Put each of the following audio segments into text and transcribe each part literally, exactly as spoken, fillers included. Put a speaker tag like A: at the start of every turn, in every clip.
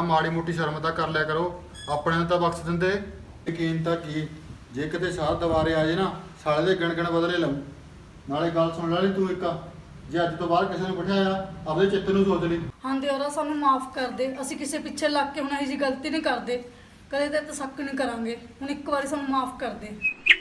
A: ਮਾੜੀ ਮੋਟੀ ਸ਼ਰਮ ਤਾਂ ਕਰ ਲਿਆ ਕਰੋ। ਆਪਣੇ ਨੂੰ ਤਾਂ ਬਖਸ਼ ਦਿੰਦੇ। ਯਕੀਨ ਤਾਂ ਕੀ ਜੇ ਕਿਤੇ ਸਾਹ ਦੁਬਾਰੇ ਆ ਜੇ ਨਾ ਸਾਲੇ ਦੇ ਗਣ ਗਣ ਬਦਲੇ ਲਊ। ਨਾਲੇ ਗੱਲ ਸੁਣ ਲੈ ਲਈ ਤੂੰ ਇੱਕ, ਜੇ ਅੱਜ ਤੋਂ ਬਾਅਦ ਕਿਸੇ ਨੂੰ ਬਿਠਾਇਆ ਆਪਦੇ ਚਿੱਤ ਨੂੰ ਸੋਚ ਲਈ।
B: ਹਾਂ ਦਿਓਰਾ ਸਾਨੂੰ ਮਾਫ ਕਰ ਦੇ, ਅਸੀਂ ਕਿਸੇ ਪਿੱਛੇ ਲੱਗ ਕੇ ਹੁਣ ਇਹੋ ਜਿਹੀ ਗਲਤੀ ਨਹੀਂ ਕਰਦੇ, ਕਦੇ ਤੇ ਤਸੱਕ ਨਹੀਂ ਕਰਾਂਗੇ। ਹੁਣ ਇੱਕ ਵਾਰੀ ਸਾਨੂੰ ਮਾਫ ਕਰ ਦੇ।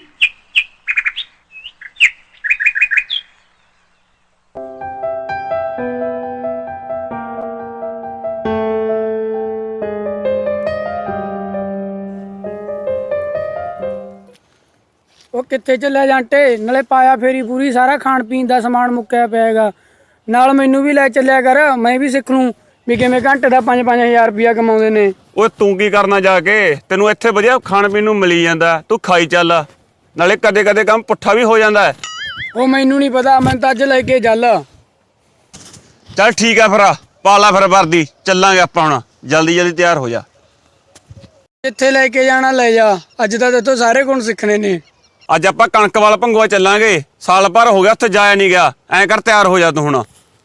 C: ਉਹ ਕਿੱਥੇ ਚੱਲਿਆ ਜਾਂਟੇ? ਨਾਲੇ ਪਾਇਆ ਫੇਰੀ ਪੂਰੀ, ਸਾਰਾ ਖਾਣ ਪੀਣ ਦਾ ਸਮਾਨ ਮੁੱਕਿਆ ਪਿਆ ਹੈਗਾ। ਨਾਲ ਮੈਨੂੰ ਵੀ ਲੈ ਚੱਲਿਆ ਕਰ, ਮੈਂ ਵੀ ਸਿੱਖ ਲੂੰ ਵੀ ਕਿਵੇਂ ਘੰਟੇ ਦਾ ਪੰਜ ਪੰਜ ਹਜ਼ਾਰ ਰੁਪਇਆ ਕਮਾਉਂਦੇ ਨੇ।
D: ਓਏ ਤੂੰ ਕੀ ਕਰਨਾ ਜਾ ਕੇ? ਤੈਨੂੰ ਇੱਥੇ ਵਧੀਆ ਖਾਣ ਪੀਣ ਨੂੰ ਮਿਲੀ ਜਾਂਦਾ, ਤੂੰ ਖਾਈ ਚੱਲ। ਨਾਲੇ ਕਦੇ ਕਦੇ ਕੰਮ ਪੁੱਠਾ ਵੀ ਹੋ ਜਾਂਦਾ।
C: ਉਹ ਮੈਨੂੰ ਨਹੀਂ ਪਤਾ, ਮੈਂ ਤਾਂ ਅੱਜ ਲੈ ਕੇ ਚੱਲ।
D: ਚੱਲ ਠੀਕ ਆ ਫਿਰ, ਪਾ ਲਾ ਫਿਰ ਵਰਦੀ, ਚੱਲਾਂਗੇ ਆਪਾਂ ਹੁਣ। ਜਲਦੀ ਜਲਦੀ ਤਿਆਰ ਹੋ ਜਾ।
C: ਜਿੱਥੇ ਲੈ ਕੇ ਜਾਣਾ ਲੈ ਜਾ, ਅੱਜ ਤਾਂ ਤੇਤੋਂ ਸਾਰੇ ਗੁਣ ਸਿੱਖਣੇ ਨੇ।
D: ਅੱਜ ਆਪਾਂ ਕਣਕ ਵਾਲ ਭੰਗੂਆ ਚੱਲਾਂਗੇ, ਸਾਲ ਭਰ ਹੋ ਗਿਆ ਉੱਥੇ ਜਾਇਆ ਨਹੀਂ ਗਿਆ। ਐਂ ਕਰ ਤਿਆਰ ਹੋ ਜਾ ਤੂੰ ਹੁਣ।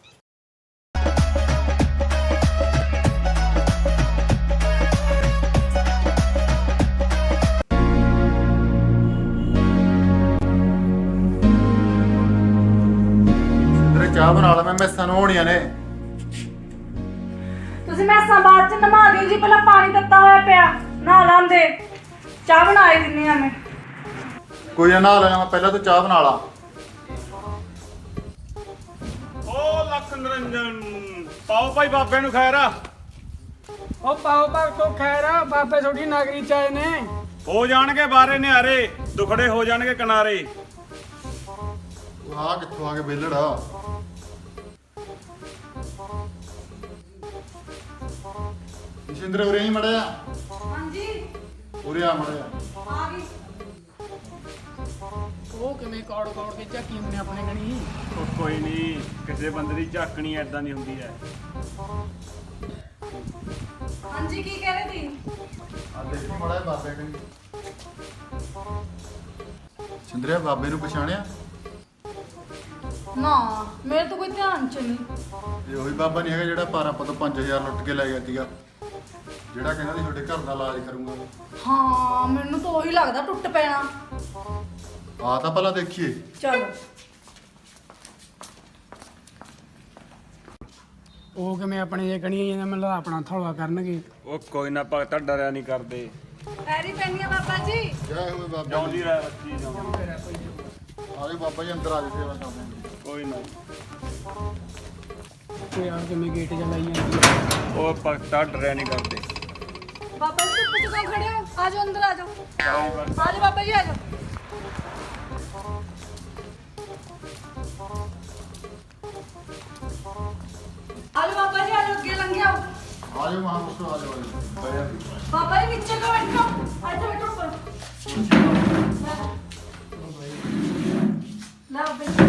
A: ਤੇਰੇ ਚਾਹ ਬਣਾ ਲਾ, ਮੈਂ ਮੈਸਾਂ ਨੂੰ ਹੋਣੀਆਂ ਨੇ।
B: ਤੁਸੀਂ ਮੈਸਾਂ ਬਾਅਦ ਚ ਨਵਾ ਦਿਓ ਜੀ, ਪਹਿਲਾਂ ਪਾਣੀ ਦਿੱਤਾ ਹੋਇਆ ਪਿਆ, ਨਹਾ ਲਾਂਦੇ। ਚਾਹ ਬਣਾਏ ਦਿੰਨੀ ਆ ਮੈਂ।
A: ਕੋਈ ਨਾ ਨਹਾ ਲੈਣਾ, ਮੈਂ ਪਹਿਲਾਂ ਤੂੰ ਚਾਹ ਬਣਾ ਲਾ।
D: ਓ ਲੱਖ ਨਿਰੰਜਨ, ਪਾਓ ਭਾਈ ਬਾਬੇ ਨੂੰ ਖੈਰ।
C: ਉਹ ਪਾਓ ਭਗਤੋ ਖੈਰ, ਬਾਬੇ ਤੁਹਾਡੀ ਨਗਰੀ ਚ ਆਏ ਨੇ।
D: ਹੋ ਜਾਣਗੇ ਬਾਰੇ ਨਿਆਰੇ, ਦੁਖੜੇ ਹੋ ਜਾਣਗੇ ਕਿਨਾਰੇ।
A: ਆਹ ਕਿੱਥੋਂ ਆ ਕੇ ਵਿਹਲੜਾ? ਸਿੰਦਰ ਉਰੇ ਹੀ ਮੜਿਆ।
B: ਹਾਂਜੀ
A: ਉਰੇ ਆ ਮੜਿਆ।
B: ਆ ਗਈ।
C: ਉਹ ਕਿਵੇਂ ਕੌੜ ਕੌੜ ਕੇ ਝਾਕੀ ਹੁੰਦੇ ਆਪਣੇ ਕਣੀ।
D: ਉਹ ਕੋਈ ਨਹੀਂ, ਕਿਸੇ ਬੰਦੇ ਦੀ ਝਾਕਣੀ ਐਦਾਂ ਦੀ ਹੁੰਦੀ ਹੈ।
B: ਹਾਂਜੀ ਕੀ ਕਹਿ ਰਹੇ ਸੀ?
A: ਆ ਦੇਖੋ ਮੜਿਆ ਬਾਬੇ ਕਨੀ। ਸਿੰਦਰਿਆ ਬਾਬੇ ਨੂੰ ਪਛਾਣਿਆ?
B: ਨਾ ਮੇਰੇ ਤਾਂ ਕੋਈ ਧਿਆਨ ਚ ਨਹੀਂ।
A: ਇਹ ਉਹੀ ਬਾਬਾ ਨਹੀਂ ਹੈਗਾ ਜਿਹੜਾ ਪਾਰਾ ਤੋਂ ਪੰਜ ਹਜ਼ਾਰ ਲੁੱਟ ਕੇ ਲੈ ਗਿਆ ਸੀਗਾ, ਜਿਹੜਾ ਕਹਿੰਦਾ ਸੀ ਤੁਹਾਡੇ ਘਰ ਦਾ ਇਲਾਜ ਕਰੂੰਗਾ।
B: ਹਾਂ ਮੈਨੂੰ ਤਾਂ ਉਹੀ ਲੱਗਦਾ ਟੁੱਟ ਪੈਣਾ।
A: ਆ ਤਾਂ ਪਹਿਲਾਂ ਦੇਖੀਏ।
B: ਚਲੋ।
C: ਉਹ ਕਿਵੇਂ ਆਪਣੇ ਜੇ ਕਣੀ ਜਾਂਦਾ, ਮੈਨੂੰ ਲੱਗਦਾ ਆਪਣਾ ਥੌਲਾ ਕਰਨਗੇ।
D: ਉਹ ਕੋਈ ਨਾ ਭਗਤਾ, ਡਰਿਆ ਨਹੀਂ ਕਰਦੇ।
B: ਪੈਰੀ ਪੈਣੀਆਂ ਬਾਬਾ ਜੀ।
A: ਜੈ ਹੋਵੇ ਬਾਬਾ
D: ਜਿਉਂਦੀ
A: ਜੀ।
D: ਰਹਿ ਬੱਚੀ, ਜਿਉਂਦੀ।
A: ਆਜੋ ਬਾਬਾ ਜੀ ਅੰਦਰ ਆ ਜਾਓ, ਸੇਵਾ ਕਰਦੇ ਹਾਂ।
D: ਕੋਈ ਨਾ।
C: ਤੇ ਯਾਰ ਕਿਵੇਂ ਗੇਟ ਚਲਾਈ ਜਾਂਦੀ ਆ।
D: ਉਹ ਭਗਤਾ ਡਰਿਆ ਨਹੀਂ ਕਰਦੇ।
B: ਬਾਬਾ ਜੀ ਧੁੱਪ ਚ ਕਿਉਂ ਖੜੇ ਹੋ? ਆ ਜਾਓ ਅੰਦਰ ਆ ਜਾਓ। ਆ ਜਾਓ ਬਾਬਾ ਜੀ ਆ ਜਾਓ। ਆ ਜਾਓ ਬਾਬਾ ਜੀ ਆ ਜਾਓ, ਅੱਗੇ ਲੰਘ ਜਾਓ।
A: ਆ ਜਾਓ ਮਹਾਂਪੁਰਸ਼ੋ, ਆ ਜਾਓ, ਆ ਜਾਓ। ਬਹਿ ਜਾ।
B: ਬਾਬਾ ਜੀ ਨੀਚੇ ਕੋ ਬੈਠੋ, ਇੱਥੇ ਬੈਠੋ ਉੱਪਰ। ਲੈ ਬਾਬਾ ਜੀ।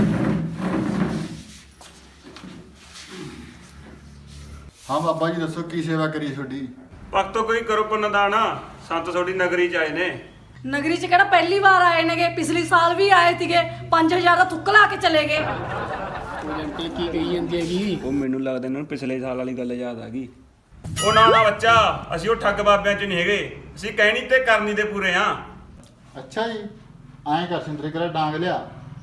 A: ਹਾਂ ਬਾਬਾ ਜੀ ਦੱਸੋ ਕੀ ਸੇਵਾ ਕਰੀਏ ਤੁਹਾਡੀ?
D: ਭਗਤੋ ਕੋਈ ਕਰੋ ਪੁੰਨਦਾਨ, ਸੰਤ ਤੁਹਾਡੀ ਨਗਰੀ ਚ ਆਏ ਨੇ।
B: ਨਗਰੀ ਚ ਕਿਹੜਾ ਪਹਿਲੀ ਵਾਰ ਆਏ ਨੇਗੇ, ਪਿਛਲੀ ਸਾਲ ਵੀ ਆਏ ਸੀਗੇ, ਪੰਜ ਹਜ਼ਾਰ ਦਾ ਥੁੱਕ ਲਾ ਕੇ ਚਲੇ ਗਏ।
C: ਉਹ ਜੰਟੇ ਕੀ ਕਹੀ ਜਾਂਦੀ ਹੈਗੀ?
D: ਉਹ ਮੈਨੂੰ ਲੱਗਦਾ ਇਹਨਾਂ ਨੂੰ ਪਿਛਲੇ ਸਾਲ ਵਾਲੀ ਗੱਲ ਯਾਦ ਆ ਗਈ। ਉਹ ਨਾ ਨਾ ਬੱਚਾ, ਅਸੀਂ ਉਹ ਠੱਗ ਬਾਬਿਆਂ ਚ ਨਹੀਂ ਹੈਗੇ, ਅਸੀਂ ਕਹਿਣੀ ਤੇ ਕਰਨੀ ਦੇ ਪੂਰੇ ਆ।
A: ਅੱਛਾ ਜੀ, ਐਂ ਕਰ ਸਿੰਦਰੇ ਕਰਾ ਡਾਂਗ ਲਿਆ।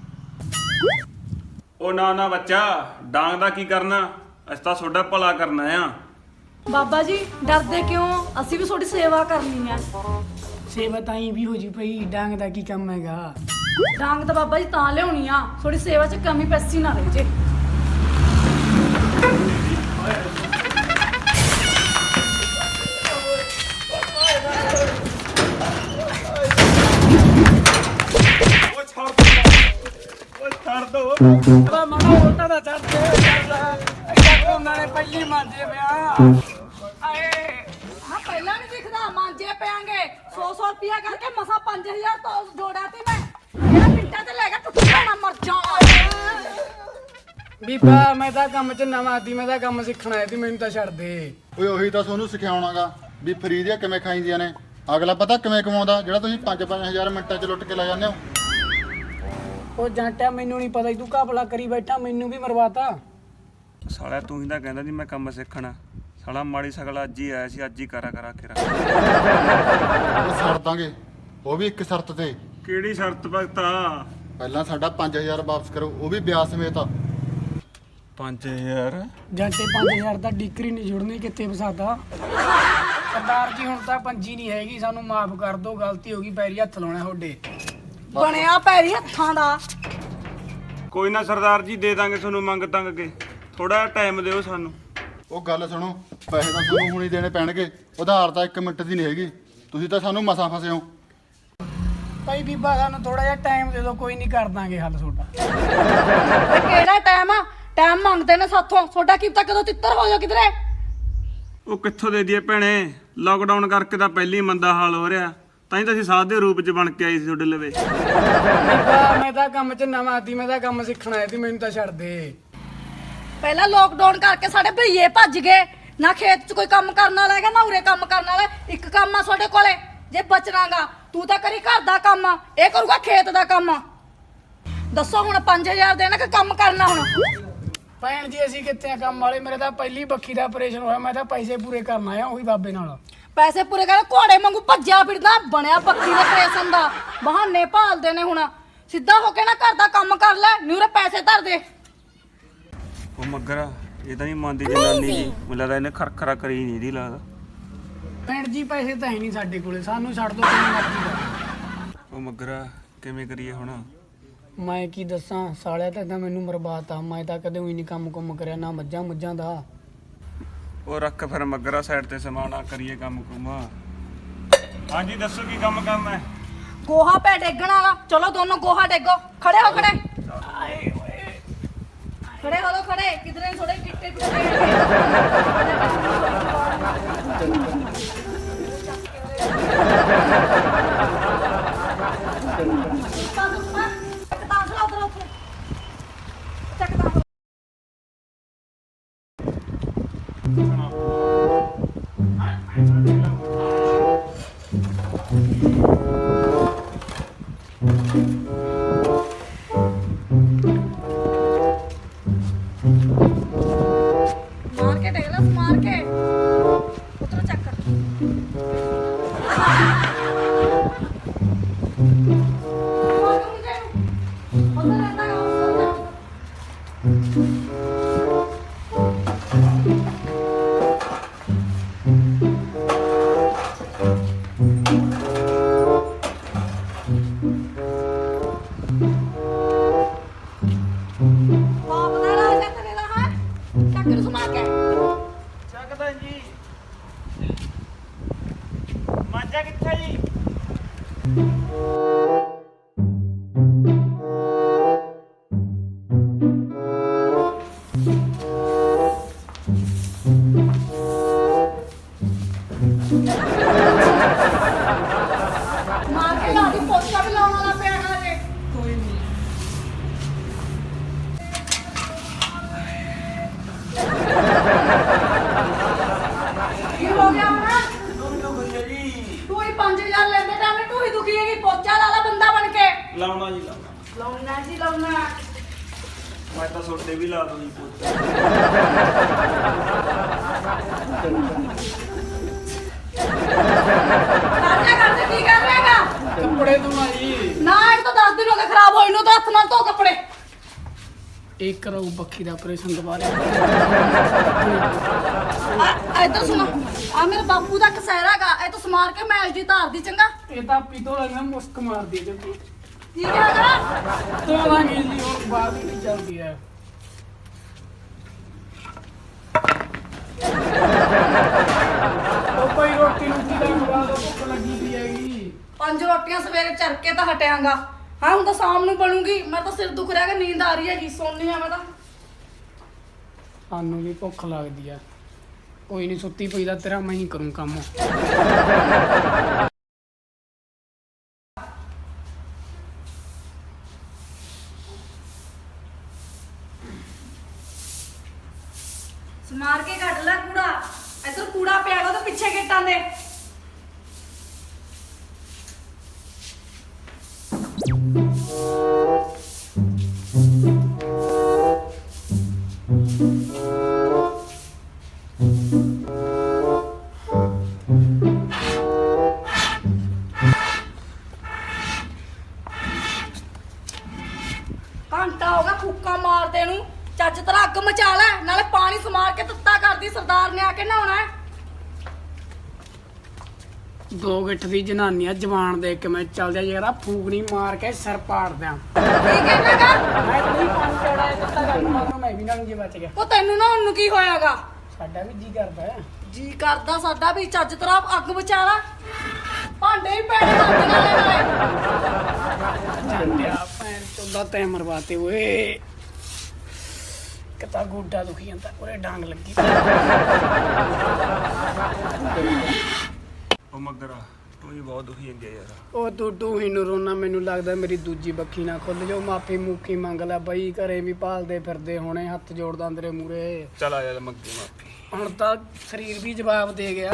D: ਉਹ ਨਾ ਨਾ ਬੱਚਾ, ਡਾਂਗ ਦਾ ਕੀ ਕਰਨਾ, ਅਸੀਂ ਤਾਂ ਤੁਹਾਡਾ ਭਲਾ ਕਰਨਾ ਆ।
B: ਬਾਬਾ ਜੀ ਡਰਦੇ ਕਿਉਂ? ਅਸੀਂ ਵੀ ਤੁਹਾਡੀ ਸੇਵਾ ਕਰਨੀ ਹੈ।
C: ਸੇਵਾ ਤਾਂ ਹੀ ਵੀ ਹੋ ਜੀ ਪਈ, ਡਾਂਗ ਦਾ ਕੀ ਕੰਮ ਹੈਗਾ?
B: ਡਾਂਗ ਤਾਂ ਬਾਬਾ ਜੀ ਤਾਂ ਲਿਆਉਣੀ ਆ, ਥੋੜੀ ਸੇਵਾ 'ਚ ਕਮੀ ਪੈਸੀ ਨਾ ਰਹਿ ਜੇ।
D: ਉਹ ਛੱਡ ਦੋ, ਉਹ ਛੱਡ ਦੋ।
C: ਉਹਦਾ ਮਨਾ ਉਲਟਾ ਦਾ ਚੜ ਕੇ ਚੱਲ ਉਹਨਾਂ ਨੇ ਪਹਿਲੀ ਮੰਜੇ ਪਿਆ। ਆਏ
B: ਹਾਂ ਪਹਿਲਾਂ ਨਹੀਂ ਦਿਖਦਾ, ਮਾਂਜੇ ਪਿਆਂਗੇ। ਸੌ ਸੌ ਰੁਪਿਆ ਕਰਕੇ ਮਸਾ ਪੰਜ ਹਜ਼ਾਰ ਤੋਂ ਜੋੜਿਆ ਤੀ ਮੈਂ। ਜਿਹੜਾ ਮਿੰਟਾਂ ਤੇ ਲੈ ਕੇ ਟੁੱਟ ਪੈਣਾ, ਮਰ ਜਾ।
C: ਬੀਬਾ ਮੈਂ ਤਾਂ ਕੰਮ 'ਚ ਨਵਾਂ ਆਦੀ, ਮੈਂ ਤਾਂ ਕੰਮ ਸਿੱਖਣਾ ਆਇਆ ਸੀ, ਮੈਨੂੰ ਤਾਂ ਛੱਡ ਦੇ।
A: ਓਏ ਉਹੀ ਤਾਂ ਤੁਹਾਨੂੰ ਸਿਖਾਉਣਾਗਾ ਵੀ ਫਰੀ ਦੀਆਂ ਕਿਵੇਂ ਖਾਈਦੀਆਂ ਨੇ। ਅਗਲਾ ਪਤਾ ਕਿਵੇਂ ਕਮਾਉਂਦਾ, ਜਿਹੜਾ ਤੁਸੀਂ ਪੰਜ ਪੰਜ ਹਜ਼ਾਰ ਮਿੰਟਾਂ 'ਚ ਲੁੱਟ ਕੇ ਲੈ ਜਾਂਦੇ ਹੋ।
C: ਉਹ ਜਾਂਟਿਆ ਮੈਨੂੰ ਨਹੀਂ ਪਤਾ, ਤੂੰ ਘਪਲਾ ਕਰੀ ਬੈਠਾ, ਮੈਨੂੰ ਵੀ ਮਰਵਾਤਾ।
D: ਸਾਲਿਆ ਤੂੰ ਹੀ ਤਾਂ ਕਹਿੰਦਾ ਸੀ ਮੈਂ ਕੰਮ ਸਿੱਖਣਾ, ਸਾਲਾ ਮਾੜੀ ਸਗਲਾ ਅੱਜ ਹੀ ਆਇਆ ਸੀ, ਅੱਜ ਹੀ ਕਰਾ ਕਰਾ ਕੇ ਰੱਖ।
A: ਉਹ ਛੱਡ ਦਾਂਗੇ, ਉਹ ਵੀ ਇੱਕ ਸ਼ਰਤ ਤੇ।
D: ਕਿਹੜੀ ਸ਼ਰਤ ਭਗਤਾ?
A: ਪਹਿਲਾਂ ਸਾਡਾ ਪੰਜ ਹਜ਼ਾਰ ਵਾਪਸ ਕਰੋ, ਉਹ ਵੀ ਵਿਆਜ ਸਮੇਤ।
D: ਪੰਜ ਹਜ਼ਾਰ?
C: ਜਾਂਟੇ ਪੰਜ ਹਜ਼ਾਰ ਦਾ ਡਿਕਰੀ ਨਹੀਂ ਜੁੜਨੀ, ਕਿੱਥੇ ਫਸਾਦਾ। ਸਰਦਾਰ ਜੀ ਹੁਣ ਤਾਂ ਪੰਜੀ ਨਹੀਂ ਹੈਗੀ, ਸਾਨੂੰ ਮਾਫ ਕਰ ਦਿਓ, ਗਲਤੀ ਹੋ ਗਈ, ਪੈਰੀ ਹੱਥ ਲਾਉਣਾ ਤੁਹਾਡੇ।
B: ਬਣਿਆ ਪੈਰੀ ਹੱਥਾਂ ਦਾ।
D: ਕੋਈ ਨਾ ਸਰਦਾਰ ਜੀ, ਦੇ ਦਾਂਗੇ ਤੁਹਾਨੂੰ ਮੰਗ ਤੰਗ ਕੇ, ਥੋੜਾ ਟਾਈਮ ਦਿਓ ਸਾਨੂੰ।
A: ਉਹ ਗੱਲ ਸੁਣੋ, ਪੈਸੇ ਤਾਂ ਤੁਹਾਨੂੰ ਹੁਣੀ ਦੇਣੇ ਪੈਣਗੇ, ਉਧਾਰ ਤਾਂ ਇੱਕ ਮਿੰਟ ਦੀ ਨਹੀਂ ਹੈਗੀ। ਤੁਸੀਂ ਤਾਂ ਸਾਨੂੰ ਮਸਾਂ ਫਸੇ ਹੋ।
C: ਭਾਈ ਬੀਬਾ ਸਾਨੂੰ ਥੋੜਾ ਜਿਹਾ ਟਾਈਮ ਦੇ ਦਿਓ, ਕੋਈ ਨਹੀਂ ਕਰ ਦਾਂਗੇ ਹੱਲ ਤੁਹਾਡਾ।
B: ਵੇ ਕਿਹੜਾ ਟਾਈਮ ਆ? ਟਾਈਮ ਮੰਗਦੇ ਨੇ ਸਾਥੋਂ, ਤੁਹਾਡਾ ਕੀ ਪਤਾ ਕਦੋਂ ਤਿੱਤਰ ਹੋ ਜਾ ਕਿਧਰੇ।
D: ਉਹ ਕਿੱਥੋਂ ਦੇ ਦਈਏ ਭੈਣੇ, ਲਾਕਡਾਊਨ ਕਰਕੇ ਤਾਂ ਪਹਿਲੀ ਮੰਦਾ ਹਾਲ ਹੋ ਰਿਹਾ, ਤਾਂ ਹੀ ਤਾਂ ਅਸੀਂ ਸਾਧ ਦੇ ਰੂਪ 'ਚ ਬਣ ਕੇ ਆਏ ਸੀ ਤੁਹਾਡੇ ਲਵੇ।
C: ਬੀਬਾ ਮੈਂ ਤਾਂ ਕੰਮ 'ਚ ਨਵਾਂ ਸੀ, ਮੈਂ ਤਾਂ ਕੰਮ ਸਿੱਖਣ ਆਇਆ ਸੀ, ਮੈਨੂੰ ਤਾਂ ਛੱਡ ਦੇ।
B: ਪਹਿਲਾਂ ਲੋਕਡਾਊਨ ਕਰਕੇ ਸਾਡੇ ਭਈਏ ਭੱਜ ਗਏ, ਨਾ ਖੇਤ 'ਚ ਕੋਈ ਕੰਮ ਕਰਨ ਵਾਲਾ ਹੈਗਾ ਨਾ ਉਰੇ ਕੰਮ ਕਰਨ ਵਾਲਾ। ਇੱਕ ਕੰਮ ਆ ਤੁਹਾਡੇ ਕੋਲੇ, ਜੇ ਬਚਣਾਗਾ ਤੂੰ ਤਾਂ ਕਰੀ ਘਰ ਦਾ ਕੰਮ, ਇਹ ਕਰੂਗਾ ਖੇਤ ਦਾ ਕੰਮ। ਦੱਸੋ ਹੁਣ ਪੰਜ ਹਜ਼ਾਰ ਦੇਣਾ ਕਿ ਕੰਮ ਕਰਨਾ ਹੁਣ?
C: ਭੈਣ ਜੀ ਅਸੀਂ ਕਿੱਥੇ ਆ ਕੰਮ ਵਾਲੇ, ਮੇਰੇ ਤਾਂ ਪਹਿਲੀ ਬੱਖੀ ਦਾ ਆਪਰੇਸ਼ਨ ਹੋਇਆ, ਮੈਂ ਤਾਂ ਪੈਸੇ ਪੂਰੇ ਕਰਨ ਆਇਆ ਉਹੀ ਬਾਬੇ ਨਾਲ।
B: ਪੈਸੇ ਪੂਰੇ ਕਰ, ਘੋੜੇ ਵਾਂਗੂ ਭੱਜਿਆ ਫਿਰਦਾ, ਬਣਿਆ ਪੱਕੀ ਦੇ ਪ੍ਰੇਸ਼ਨ ਦਾ। ਬਹਾਨੇ ਭਾਲਦੇ ਨੇ ਹੁਣ, ਸਿੱਧਾ ਹੋ ਕੇ ਨਾ ਘਰ ਦਾ ਕੰਮ ਕਰ ਲੈ, ਨਿਊਰੇ ਪੈਸੇ ਧਰ ਦੇ।
D: ਉਹ ਮੱਗਰਾ, ਇਹ ਤਾਂ ਨਹੀਂ ਮੰਨਦੀ ਜਨਾਨੀ ਜੀ, ਮੈਨੂੰ ਲੱਗਦਾ ਇਹਨੇ ਖਰਖਰਾ ਕਰੀ ਨਹੀਂ ਦੀ ਲੱਗਦਾ।
C: ਭੈਣ ਜੀ ਪੈਸੇ ਤਾਂ ਹੈ ਨਹੀਂ ਸਾਡੇ ਕੋਲੇ, ਸਾਨੂੰ ਛੱਡ ਦਿਓ ਕਿੰਨੀ ਮਰਜ਼ੀ ਦਾ।
D: ਉਹ ਮੱਗਰਾ ਕਿਵੇਂ ਕਰੀਏ ਹੁਣ?
C: ਮੈਂ ਕੀ ਦੱਸਾਂ, ਸਾਲਿਆ ਤਾਂ ਏਦਾਂ ਮੈਨੂੰ ਬਰਬਾਦ ਆ। ਮੈਂ ਤਾਂ ਕਦੇ ਵੀ ਨਹੀਂ ਕੰਮ ਕੁੰਮ ਕਰਿਆ, ਨਾ ਮੱਝਾਂ ਮੁੱਝਾਂ ਦਾ।
D: ਉਹ ਰੱਖ ਫਿਰ ਮੱਗਰਾ ਸਾਈਡ ਤੇ ਸਮਾਣਾ, ਕਰੀਏ ਕੰਮ ਕੁਮ। ਹਾਂਜੀ ਦੱਸੋ ਕੀ ਕੰਮ ਕਰਨਾ ਹੈ?
B: ਗੋਹਾ ਪੈ ਡੇਗਣ ਵਾਲਾ, ਚਲੋ ਦੋਨੋਂ ਗੋਹਾ ਡੇਗੋ। ਖੜੇ ਹੋ ਖੜੇ ਖੜੇ ਹੋ ਲੋ ਖੜੇ, ਕਿਧਰੇ ਥੋੜੇ ਗਿੱਟੇ ਮਾਰ ਕੇ ਡੇਗ ਲਾ, ਮਾਰ ਕੇ ਉਤਰੋ ਚੱਕ। ਬਾਪ ਦਾ ਰਾਜ ਹੈ ਤੇਰੇ ਦਾ, ਹੈ ਚੱਕ ਨੂੰ ਸਮਾ ਕੇ।
D: ਚੱਕਦਾ ਜੀ। ਮਾਂਜਾ ਕਿੱਥੇ ਜੀ?
B: ਮਾਰ ਕੇ ਲਾ ਦੀ, ਪੋਚਾ ਵੀ ਲਾਉਣ ਵਾਲਾ ਪਿਆ ਹਲੇ।
C: ਕੋਈ ਨਹੀਂ।
B: ਕੀ ਹੋ ਗਿਆ ਹੁਣ? ਤੂੰ ਹੀ ਪੰਜ ਹਜ਼ਾਰ ਲੈਂਦੇ ਟਾਈਮ ਤੂੰ ਹੀ ਦੁਖੀ ਹੈਗੀ, ਪੋਚਾ ਲਾ ਲਾ ਬੰਦਾ ਬਣ ਕੇ।
D: ਲਾਉਣਾ ਜੀ ਲਾਉਣਾ।
B: ਲਾਉਣਾ ਜੀ ਲਾਉਣਾ।
D: ਮੈਂ ਤਾਂ ਸੋਡੇ ਵੀ ਲਾ ਦੂੰ ਜੀ ਪੋਚਾ।
B: ਕਰਦੇ ਕਰਦੇ ਕੀ ਕਰ ਰਹੇਗਾ?
C: ਕੱਪੜੇ ਧੋਣਾ ਜੀ।
B: ਨਾ ਇਹ ਤਾਂ ਦਸ ਦਿਨ ਹੋ ਗਏ ਖਰਾਬ ਹੋਈ ਨੂੰ, ਤਾਂ ਹੱਥ ਨਾਲ ਧੋ ਕੱਪੜੇ।
C: ਇੱਕ ਕਰੋ ਬੱਖੀ ਦਾ ਆਪਰੇਸ਼ਨ ਦੁਬਾਰਾ।
B: ਆ ਇੱਧਰ ਸੁਣੋ, ਆ ਮੇਰੇ ਬਾਪੂ ਦਾ ਕਸਹਿਰਾ ਗਾ, ਇਹ ਤਾਂ ਸਮਾਰ ਕੇ ਮੈਲ ਜੀ ਧਾਰ ਦੀ ਚੰਗਾ।
C: ਇਹ ਤਾਂ ਪੀਤੋ ਲੱਗਣਾ ਮੁਸਕ ਮਾਰਦੀ ਹੈ ਜੀ।
B: ਠੀਕ ਹੈਗਾ?
C: ਧੋਵਾਂਗੇ ਜੀ, ਹੋਰ ਬਾਅਦ ਵਿੱਚ ਚੱਲਦੀ ਹੈ। ਉਹ ਕੋਈ ਰੋਟੀ ਰੋਟੀ ਦਾ ਖਵਾ ਦੋ, ਭੁੱਖ ਲੱਗੀ ਪਈ ਹੈਗੀ।
B: ਪੰਜ ਰੋਟੀਆਂ ਸਵੇਰੇ ਚਰ ਕੇ ਤਾਂ ਹਟਿਆਂਗਾ। ਹਾਂ ਹੁਣ ਤਾਂ ਸ਼ਾਮ ਨੂੰ ਬਣੂਗੀ, ਮੈਂ ਤਾਂ ਸਿਰ ਦੁਖ ਰਿਹਾ ਕਿ ਨੀਂਦ ਆ ਰਹੀ ਹੈਗੀ, ਸੋਨੀ ਆ ਮੈਂ ਤਾਂ।
C: ਸਾਨੂੰ ਵੀ ਭੁੱਖ ਲੱਗਦੀ ਆ, ਕੋਈ ਨਹੀਂ ਸੁੱਤੀ ਪਈ ਦਾ ਤੇਰਾ ਮੈਂ ਹੀ ਕਰੂੰ ਕੰਮ।
B: ਸਮਾਰ ਕੇ ਕੱਢ ਲੈ ਕੂੜਾ, ਇੱਧਰ ਕੂੜਾ ਪਿਆ ਗਾ ਤਾਂ ਪਿੱਛੇ ਗੇਟਾਂ ਦੇ। ਚੱਜ ਤਰ੍ਹਾਂ ਅੱਗ ਮਚਾ ਲੈ, ਨਾਲੇ ਪਾਣੀ ਸਮਾਰ ਕੇ ਤੱਤਾ ਕਰਦੀ, ਸਰਦਾਰ ਨੇ ਆ ਕੇ ਨਹਾਉਣਾ ਹੈ।
C: ਦੋ ਗਿੱਠ ਦੀ ਜਨਾਨੀ ਆ, ਜਵਾਨ ਦੇਖ ਕੇ ਮੈਂ ਚੱਲ ਜਾ ਜਰਾ ਫੂਕਣੀ ਮਾਰ ਕੇ ਸਿਰ ਪਾੜ ਦਿਆਂ।
B: ਕੀ ਕਹਿਣਾਗਾ?
C: ਮੈਂ ਤਾਂ ਨਹੀਂ ਪਾਣੀ ਚੜਾ ਦਿੱਤਾ ਗੱਲ ਨੂੰ, ਮੈਂ ਵੀ ਨਾ ਜੇ ਬਚ ਗਿਆ।
B: ਉਹ ਤੈਨੂੰ ਨਹਾਉਣ ਨੂੰ ਕੀ ਹੋਇਆਗਾ?
C: ਸਾਡਾ ਵੀ ਜੀ ਕਰਦਾ ਹੈ।
B: ਜੀ ਕਰਦਾ ਸਾਡਾ ਵੀ, ਚੱਜ ਤਰ੍ਹਾਂ ਅੱਗ ਮਚਾ ਲੈ, ਭਾਂਡੇ ਹੀ ਪੈਣੇ ਲੱਗ ਨਾਲੇ ਨਾਲੇ।
C: ਜਾਂਦਿਆ ਭੈਣ ਚੋਦਾ ਤੈ ਮਰਵਾਤੇ ਓਏ। ਕਿਤਾ ਗੋਡਾ ਦੁਖੀ ਜਾਂਦਾ, ਉਰੇ ਡਾਂਗ ਲੱਗੀ।
D: ਉਹ ਮਗਰਾ ਤੂੰ ਵੀ ਬਹੁਤ ਦੁਖੀ ਜਾਂਦੀ ਆ ਯਾਰ।
C: ਉਹ ਤੂੰ ਤੂੰ ਹੀ ਨੂੰ ਰੋਣਾ, ਮੈਨੂੰ ਲੱਗਦਾ ਮੇਰੀ ਦੂਜੀ ਬੱਖੀ ਨਾ ਖੁੱਲ ਜਾਓ। ਮਾਫੀ ਮੂਖੀ ਮੰਗ ਲੈ ਬਈ, ਘਰੇ ਵੀ ਭਾਲਦੇ ਫਿਰਦੇ ਹੋਣੇ, ਹੱਥ ਜੋੜਦਾ ਤੇਰੇ ਮੂਰੇ।
D: ਚੱਲ ਆ ਜਾ ਮੰਗੇ ਮਾਫੀ।
C: ਹੁਣ ਤਾਂ ਸਰੀਰ ਵੀ ਜਵਾਬ ਦੇ ਗਿਆ।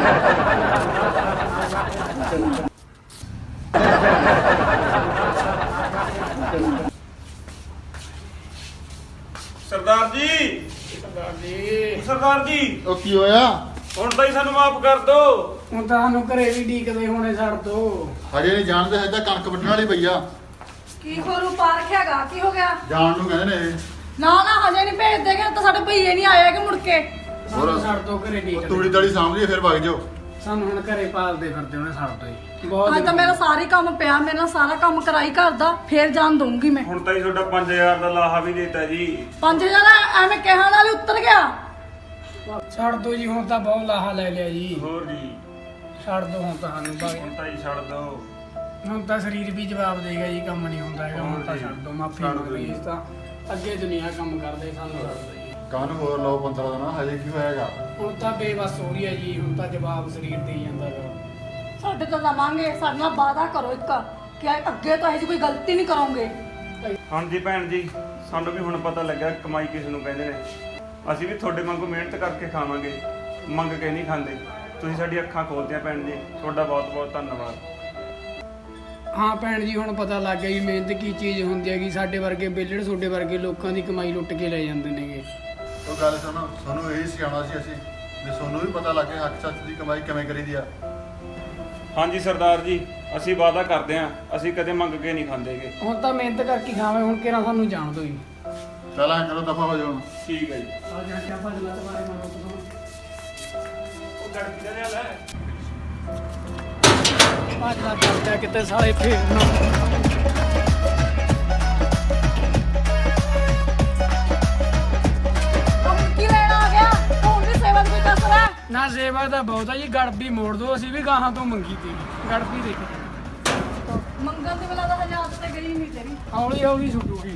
D: ਸਰਦਾਰ ਜੀ,
C: ਸਰਦਾਰ ਜੀ,
D: ਸਰਦਾਰ ਜੀ,
A: ਉਹ ਕੀ ਹੋਇਆ?
D: ਹੁਣ ਤਾਂ ਹੀ ਸਾਨੂੰ ਮਾਫ ਕਰ ਦੋ।
C: ਹੁਣ ਤਾਂ ਸਾਨੂੰ ਘਰੇ ਵੀ ਡੀਕਦੇ ਹੋਣੇ ਛੱਡ ਦੋ।
A: ਹਜੇ ਨਹੀਂ ਜਾਣਦੇ, ਹਜੇ ਤਾਂ ਕਣਕ ਵੱਢਣ ਵਾਲੀ ਪਈ ਆ।
B: ਕੀ ਹੋਰੂ ਪਾਰਖ ਹੈਗਾ? ਕੀ ਹੋ ਗਿਆ?
A: ਜਾਣ ਨੂੰ ਕਹਿੰਦੇ ਨੇ ਇਹ।
B: ਨਾ ਨਾ ਹਜੇ ਨਹੀਂ ਭੇਜ ਦੇਗੇ, ਤਾਂ ਸਾਡੇ ਭਈਏ ਨਹੀਂ ਆਏ ਹੈਗੇ ਮੁੜ ਕੇ।
C: ਸਾਨੂੰ ਛੱਡ ਦੋ ਘਰੇ
A: ਉਹ
C: ਡੀਕਦੇ।
A: ਤੂੜੀ ਦਾੜੀ ਸਾਂਭ ਲਈ ਫਿਰ ਵਗ ਜਾਓ।
C: ਸਾਨੂੰ ਹੁਣ ਘਰੇ ਪਾਲਦੇ ਫਿਰਦੇ ਹੋਣੇ, ਛੱਡ ਦੋ ਜੀ। ਬਹੁਤ
B: ਅੱਜ ਤਾਂ ਮੇਰਾ ਸਾਰੀ ਕੰਮ ਪਿਆ, ਮੇਰੇ ਨਾਲ ਸਾਰਾ ਕੰਮ ਕਰਾਈ ਘਰ ਦਾ, ਫੇਰ ਜਾਣ ਦਊਂਗੀ ਮੈਂ।
D: ਹੁਣ ਤਾਂ ਹੀ ਤੁਹਾਡਾ ਪੰਜ ਹਜ਼ਾਰ ਦਾ ਲਾਹਾ ਵੀ ਦੇਤਾ ਜੀ।
B: ਪੰਜ ਹਜ਼ਾਰ ਐਵੇਂ ਕਹਿਣ ਨਾਲ ਹੀ ਉੱਤਰ ਗਿਆ।
C: ਛੱਡ ਦੋ ਜੀ, ਹੁਣ ਤਾਂ ਬਹੁਤ ਲਾਹਾ ਲੈ ਲਿਆ ਜੀ।
D: ਹੋਰ ਜੀ,
C: ਛੱਡ ਦੋ ਹੁਣ ਤਾਂ ਸਾਨੂੰ ਭਾਵੇਂ।
D: ਹੁਣ ਤਾਂ ਹੀ ਛੱਡ ਦੋ।
C: ਹੁਣ ਤਾਂ ਸਰੀਰ ਵੀ ਜਵਾਬ ਦੇਗਾ ਜੀ, ਕੰਮ ਨਹੀਂ ਹੁੰਦਾ ਹੈਗਾ। ਹੁਣ ਤਾਂ
D: ਹੋਰ ਜੀ।
C: ਛੱਡ ਦੋ, ਮਾਫੀ
D: ਛੱਡ
C: ਮੰਗ
D: ਦਿਓ
C: ਲਈ।
D: ਜੀ।
C: ਇਸ ਤਾਂ ਅੱਗੇ ਦੁਨੀਆ ਕੰਮ ਕਰਦੇ, ਸਾਨੂੰ ਛੱਡ ਦੋ ਜੀ।
A: ਕਾਹਨੂੰ ਹੋਰ ਲਓ ਪੰਦਰਾਂ ਦਿਨ, ਹਜੇ ਕੀ ਹੋਏਗਾ?
C: ਹੁਣ ਤਾਂ ਬੇਬਸ ਹੋ ਰਹੀ ਹੈ ਜੀ, ਹੁਣ ਤਾਂ ਜਵਾਬ ਸਰੀਰ ਦੇ ਹੀ ਜਾਂਦਾ ਗਾ।
B: ਸਾਡੇ ਤੋਂ ਲਵਾਂਗੇ, ਸਾਡੇ ਨਾਲ ਵਾਅਦਾ ਕਰੋ ਇੱਕ ਕਿ ਅੱਗੇ ਤੋਂ ਇਹੋ ਜਿਹੀ ਕੋਈ ਗਲਤੀ ਨਹੀਂ ਕਰੋਗੇ।
D: ਹਾਂਜੀ ਭੈਣ ਜੀ, ਸਾਨੂੰ ਵੀ ਹੁਣ ਪਤਾ ਲੱਗਾ ਕਮਾਈ ਕਿਸ ਨੂੰ ਕਹਿੰਦੇ ਨੇ। ਅਸੀਂ ਵੀ ਤੁਹਾਡੇ ਵਾਂਗੂ ਮਿਹਨਤ ਕਰਕੇ ਖਾਵਾਂਗੇ, ਮੰਗ ਕੇ ਨਹੀਂ ਖਾਂਦੇ। ਤੁਸੀਂ ਸਾਡੀ ਅੱਖਾਂ ਖੋਲ੍ਹਤੀਆਂ ਭੈਣ ਜੀ, ਤੁਹਾਡਾ ਬਹੁਤ ਬਹੁਤ ਧੰਨਵਾਦ।
C: ਹਾਂ ਭੈਣ ਜੀ, ਹੁਣ ਪਤਾ ਲੱਗ ਗਿਆ ਜੀ ਮਿਹਨਤ ਕੀ ਚੀਜ਼ ਹੁੰਦੀ ਹੈਗੀ। ਸਾਡੇ ਵਰਗੇ ਬੇਲੜ, ਤੁਹਾਡੇ ਵਰਗੇ ਲੋਕਾਂ ਦੀ ਕਮਾਈ ਲੁੱਟ ਕੇ ਲੈ ਜਾਂਦੇ ਨੇਗੇ।
A: ਉਹ ਗੱਲ ਸੁਣੋ, ਤੁਹਾਨੂੰ ਇਹੀ ਸਿਖਾਉਣਾ ਸੀ ਅਸੀਂ ਵੀ ਤੁਹਾਨੂੰ ਵੀ ਪਤਾ ਲੱਗੇ ਹੱਕ ਸੱਚ ਦੀ ਕਮਾਈ ਕਿਵੇਂ ਕਰੀਦੀ ਆ।
D: ਹਾਂਜੀ ਸਰਦਾਰ ਜੀ, ਅਸੀਂ ਵਾਅਦਾ ਕਰਦੇ ਹਾਂ, ਅਸੀਂ ਕਦੇ ਮੰਗ ਕੇ ਨਹੀਂ ਖਾਂਦੇਗੇ।
C: ਹੁਣ ਤਾਂ ਮਿਹਨਤ ਕਰਕੇ ਖਾਵੇਂ, ਹੁਣ ਕਿਹੜਾ ਸਾਨੂੰ ਜਾਣ ਦੋ ਜੀ।
A: ਚੱਲ ਐਂ ਕਰੋ, ਦਫਾ ਹੋ ਜਾਓ ਹੁਣ।
D: ਠੀਕ ਹੈ ਜੀ।
C: ਆ ਜਾ ਕੇ ਭਜਲਾ ਤੁਹਾਰੇ ਮਾਰੋ ਤੁਸੀਂ।
D: ਉਹ ਗੜਕੀ ਦਾ ਲਿਆ ਲੈ।
C: ਭਜਲਾ ਕਰਦਾ ਕਿਤੇ ਸਾਲੇ ਫੇਰ ਨਾ।
B: ਕੀ ਲੈਣ ਆ ਗਿਆ? ਹੁਣ ਵੀ ਸੇਵਾ ਦੀ ਕੋਈ ਕਸਰ ਹੈ?
C: ਨਾ ਸੇਵਾ ਤਾਂ ਬਹੁਤ ਆ ਜੀ, ਗੜਬੀ ਮੋੜ ਦੋ। ਅਸੀਂ ਵੀ ਗਾਹਾਂ ਤੋਂ ਮੰਗੀ ਤੀ ਗੜਬੀ ਦੇਖ।
B: ਮੰਗਲ ਦੇ ਵੇਲਾ ਦਾ ਹਜ਼ਾਰ ਤੇ ਗਈ ਨਹੀਂ ਤੇਰੀ।
C: ਹੌਲੀ ਹੌਲੀ ਛੁੱਟੂਗੀ।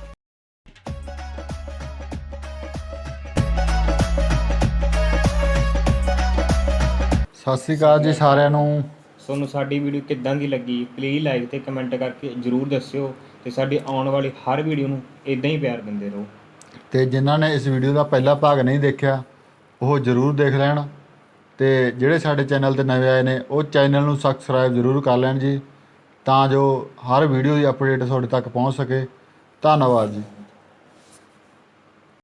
A: ਸਤਿ ਸ਼੍ਰੀ ਅਕਾਲ ਜੀ ਸਾਰਿਆਂ ਨੂੰ।
E: ਤੁਹਾਨੂੰ ਸਾਡੀ ਵੀਡੀਓ ਕਿੱਦਾਂ ਦੀ ਲੱਗੀ ਪਲੀਜ਼ ਲਾਈਕ ਤੇ ਕਮੈਂਟ ਕਰਕੇ ਜਰੂਰ ਦੱਸਿਓ ਤੇ ਸਾਡੀ ਆਉਣ ਵਾਲੀ ਹਰ ਵੀਡੀਓ ਨੂੰ ਇਦਾਂ ਹੀ ਪਿਆਰ ਦਿੰਦੇ ਰਹੋ।
A: ਤੇ ਜਿਨ੍ਹਾਂ ਨੇ ਇਸ ਵੀਡੀਓ ਦਾ ਪਹਿਲਾ ਭਾਗ ਨਹੀਂ ਦੇਖਿਆ ਉਹ ਜ਼ਰੂਰ ਦੇਖ ਲੈਣ, ਤੇ ਜਿਹੜੇ ਸਾਡੇ ਚੈਨਲ ਤੇ ਨਵੇਂ ਆਏ ਨੇ ਉਹ ਚੈਨਲ ਨੂੰ ਸਬਸਕ੍ਰਾਈਬ ਜ਼ਰੂਰ ਕਰ ਲੈਣ ਜੀ, ਤਾਂ ਜੋ ਹਰ ਵੀਡੀਓ ਦੀ ਅਪਡੇਟ ਤੁਹਾਡੇ ਤੱਕ ਪਹੁੰਚ ਸਕੇ। ਧੰਨਵਾਦ ਜੀ।